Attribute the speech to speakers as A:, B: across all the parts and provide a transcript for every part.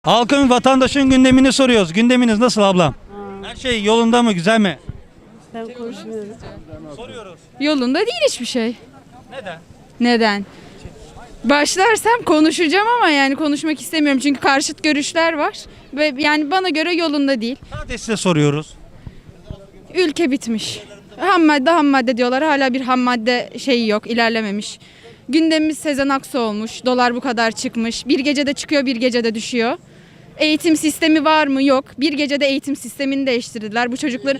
A: Halkın, vatandaşın gündemini soruyoruz. Gündeminiz nasıl ablam? Her şey yolunda mı, güzel mi?
B: Ben konuşmuyorum.
A: Soruyoruz.
C: Yolunda değil hiçbir şey.
A: Neden?
C: Neden? Başlarsam konuşacağım ama yani konuşmak istemiyorum çünkü karşıt görüşler var ve yani bana göre yolunda değil.
A: Sadece size soruyoruz.
C: Ülke bitmiş. Ham madde diyorlar. Hala bir ham madde şeyi yok, ilerlememiş. Gündemimiz Sezen Aksu olmuş. Dolar bu kadar çıkmış. Bir gecede çıkıyor, bir gecede düşüyor. Eğitim sistemi var mı? Yok. Bir gecede eğitim sistemini değiştirdiler. Bu çocukları...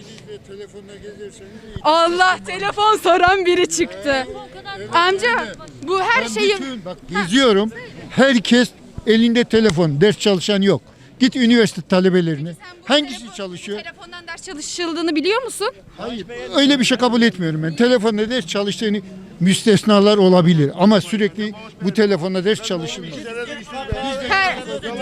C: Allah, telefon soran biri çıktı. Amca bu her şeyi...
D: Bak geziyorum. Herkes elinde telefon. Ders çalışan yok. Git üniversite talebelerine. Hangisi çalışıyor?
C: Telefondan ders çalışıldığını biliyor musun?
D: Hayır. Öyle bir şey kabul etmiyorum ben. Telefonda ders çalıştığını müstesnalar olabilir. Ama sürekli bu telefonda ders çalışılmaz.
C: Her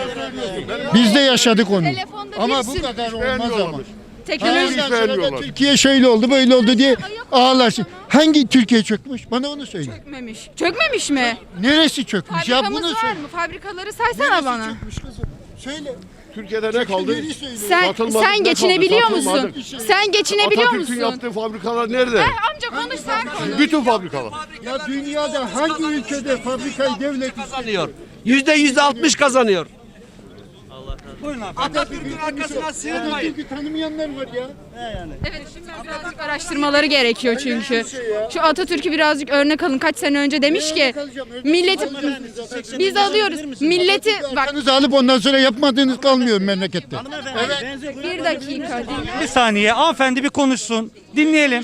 D: Biz de yaşadık onu.
C: Telefonda
D: Ama
C: bir
D: bu
C: sürü-
D: kadar olmaz ama.
C: teknoloji...
D: Ondan sonra da Türkiye şöyle oldu böyle oldu diye ağlarsın. Hangi Türkiye çökmüş? Bana onu söyle.
C: Çökmemiş. Çökmemiş mi?
D: Neresi çökmüş? Ya
C: Fabrikamız
D: bunu
C: var
D: söyle.
C: mı? Fabrikaları saysana
D: Neresi
C: bana.
D: çökmüş kızım? Söyle.
E: Türkiye'de ne kaldı?
D: Yeri söyle.
C: Sen geçinebiliyor
E: kaldı,
C: musun?
E: satılmadı.
C: Sen geçinebiliyor
E: Atatürk'ün
C: musun?
E: yaptığı fabrikalar nerede?
C: Amca konuş sen konuş.
E: Bütün fabrikalar.
D: Ya dünyada hangi ülkede fabrikayı devlet
F: Kazanıyor. %60 kazanıyor.
A: Buyurun abi.
D: Atatürk'ün arkasına sığınmayın. Atatürk'ü tanımayanlar var ya.
C: Evet, şimdi birazcık araştırmaları gerekiyor çünkü. Şu Atatürk'ü birazcık örnek alın. Kaç sene önce demiş ki milleti biz alıyoruz. Milleti bak
D: Arkanızı alıp ondan sonra yapmadığınız kalmıyor memlekette.
C: bir dakika.
A: Bir saniye. Hanımefendi bir konuşsun. Dinleyelim.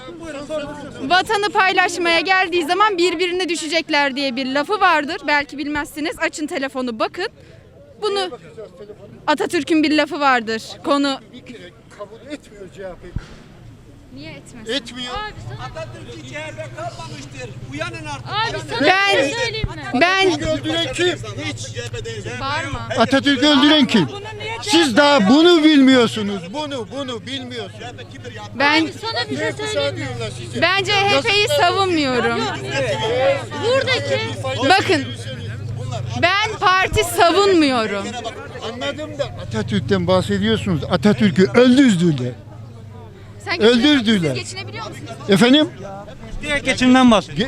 C: Vatanı paylaşmaya geldiği zaman birbirine düşecekler diye bir lafı vardır. Belki bilmezsiniz. Açın telefonu bakın. Bunu Atatürk'ün bir lafı vardır. Konu
D: Kabul etmiyor CHP.
C: niye etmez?
D: Etmiyor.
F: Atatürk CHP kalmamıştır. Uyanın artık.
G: Abi sana
C: Ben
G: bir şey söyleyeyim mi?
C: ben
D: Öldüren kim?
C: bağırma.
D: Atatürk'ü öldüren kim? Siz daha bunu bilmiyorsunuz. Bunu bilmiyorsunuz.
C: Ben
G: Sana bir şey söyleyeyim mi?
C: ben CHP'yi savunmuyorum.
G: Buradaki
C: Bakın ben parti savunmuyorum.
D: Anladım da Atatürk'ten bahsediyorsunuz. Atatürk'ü öldürdüler.
C: Sen
D: Öldürdüler.
C: Siz geçinebiliyor musunuz?
D: Efendim?
A: Direkt geçimden bahsediyor.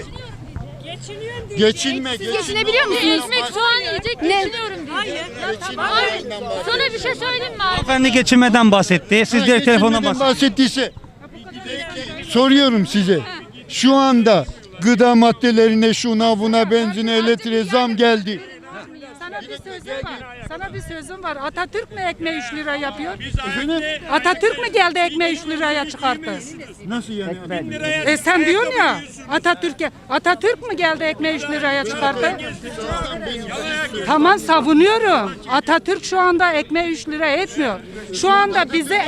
D: Geçinme,
C: Siz geçinebiliyor musunuz?
G: ekmek soğan yiyecek geçiniyorum diyor. Hayır. Abi sana bir şey söyleyeyim mi abi?
A: Hanımefendi geçinmeden bahsetti. Siz direkt telefondan
D: Geçinmeden
A: bahsediyorsunuz.
D: bahsettiyse soruyorum size. Şu anda gıda maddelerine, şuna buna, benzine, elektriğe zam geldi.
H: Sana bir sözüm var. Atatürk mü ekmeği 3 lira yapıyor?
D: Efendim?
H: Atatürk mü geldi ekmeği 3 liraya çıkarttı?
D: Nasıl yani?
H: Sen diyorsun ya Atatürk mü geldi ekmeği 3 liraya çıkarttı? Tamam savunuyorum. Atatürk şu anda ekmeği 3 lira etmiyor. Şu anda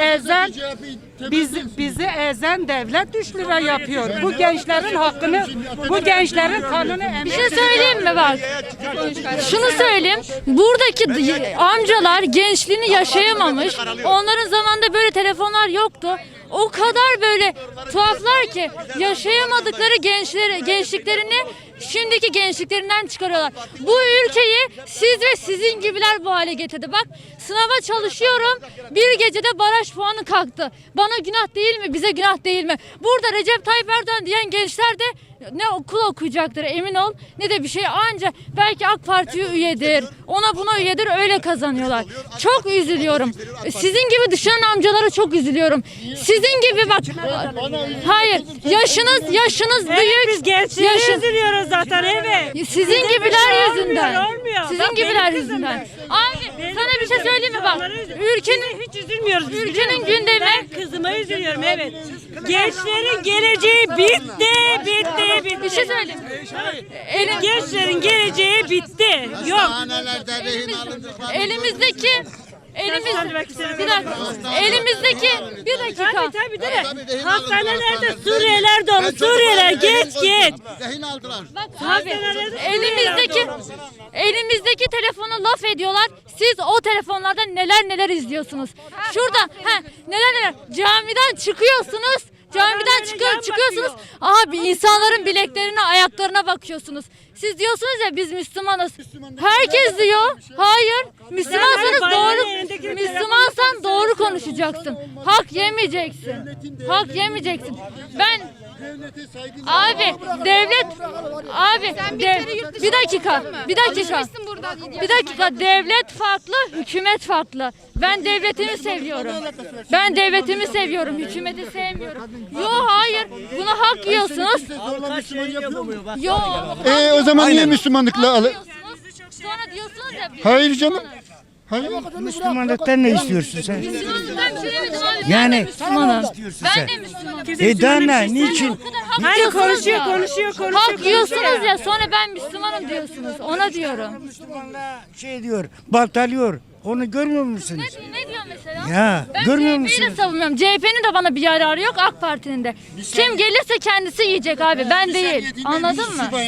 H: bizi ezen devlet 3 lira yapıyor. Bu gençlerin hakkını, bu gençlerin kanını
G: Bir şey söyleyeyim mi bak? Şunu söyleyeyim. Buradaki amcalar gençliğini yaşayamamış. Onların zamanında böyle telefonlar yoktu. O kadar böyle tuhaflar ki yaşayamadıkları gençliklerini şimdiki gençliklerinden çıkarıyorlar. Bu ülkeyi siz ve sizin gibiler bu hale getirdi. Bak sınava çalışıyorum. Bir gecede baraj puanı kalktı. Bana günah değil mi? Bize günah değil mi? Burada Recep Tayyip Erdoğan diyen gençler de ne okul okuyacaktır emin ol ne de bir şey anca belki AK Parti'ye üyedir. Ona buna üyedir öyle kazanıyorlar. Çok üzülüyorum. Sizin gibi düşünen amcalara çok üzülüyorum. Sizin gibi bak. Hayır. Yaşınız büyük.
B: Biz gençleri üzülüyoruz zaten evet.
G: Sizin gibiler yüzünden.
B: olmuyor.
G: Sizin
B: Bak,
G: gibiler
B: benim kızım
G: yüzünden.
B: da.
G: Abi sana bir şey söyleyeyim mi bak. Ülkenin
B: Hiç üzülmüyoruz biz.
G: Ülkenin
B: biliyor musun?
G: gündemi-
B: Ben kızıma üzülüyorum evet. Gençlerin geleceği bitti.
G: bir şey söyleyeyim.
B: Gençlerin geleceği bitti. Yok.
G: Elimizdeki
B: Hadi bak istedim.
G: bir dakika. Bir dakika.
B: Tabii değil mi? Hastanelerde Suriyeliler dolu. Suriyeliler geç.
G: Bak abi elimizdeki telefonu laf ediyorlar. Siz o telefonlardan neler izliyorsunuz. Şurada neler camiden çıkıyorsunuz. Camiden çıkıyorsunuz. Abi insanların bileklerine, ayaklarına bakıyorsunuz. Siz diyorsunuz ya biz Müslümanız. Herkes diyor. Hayır. Müslümansanız Müslümansan doğru konuşacaksın. Hak yemeyeceksin. Hak yemeyeceksin. Bir dakika devlet farklı, hükümet farklı. Ben devletimi seviyorum. Hükümeti sevmiyorum. Hayır. Buna hak yiyorsunuz.
D: O zaman niye Müslümanlıkla
G: Sonra diyorsunuz ya
D: Hayır canım. Hayır.
I: Müslümanlıktan ne istiyorsun sen?
G: Müslümanlıktan bir şey demedim abi.
I: Yani-
G: Ben de Müslümanım.
I: istiyorsun
G: Ben
I: sen?
G: de Müslümanım.
I: Daha niçin?
B: Hayır konuşuyor.
G: Hak yiyorsunuz ya sonra ben Müslümanım diyorsunuz. Ona diyorum.
I: Müslümanlar diyor, baltalıyor. Onu görmüyor musunuz?
G: Ne diyor mesela?
I: Ya,
G: Ben
I: görmüyor
G: CHP'yi de
I: musunuz?
G: savunmuyorum. CHP'nin de bana bir yararı yok, AK Parti'nin de. Kim gelirse kendisi yiyecek abi. Ben değil. Anladın mı?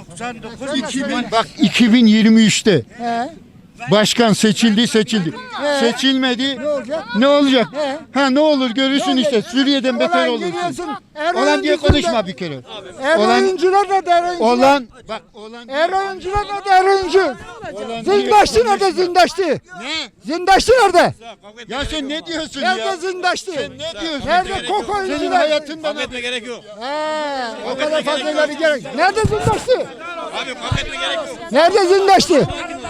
D: 2023'te başkan seçildi. Seçilmedi. Ne olacak? Ne olur görürsün işte. Suriye'den beter olursun. Olan diye konuşma bir kere.
J: Oyuncular da der oyuncular da der oyuncu. Zindaşçı nerede zindaşçı?
D: Ne?
J: Zindaşçı nerede?
D: Ya sen ne diyorsun ya?
J: Nerede zindaşçı?
D: Sen ne diyorsun?
J: Nerede koko
D: Senin
J: oyuncular?
D: hayatından
E: gerek yok.
J: O kadar fazlaları gerek. Nerede zindaşçı? Nerede zindaşçı?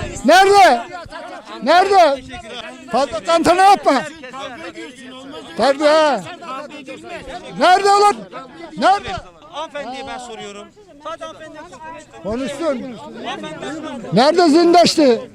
J: Nerede? Fazla tantana yapma. Tabii ha. Nerede ulan? Nerede?
A: Hanımefendiye ben soruyorum. Sadece hanımefendiye
J: Konuşsun. Nerede zindaştı?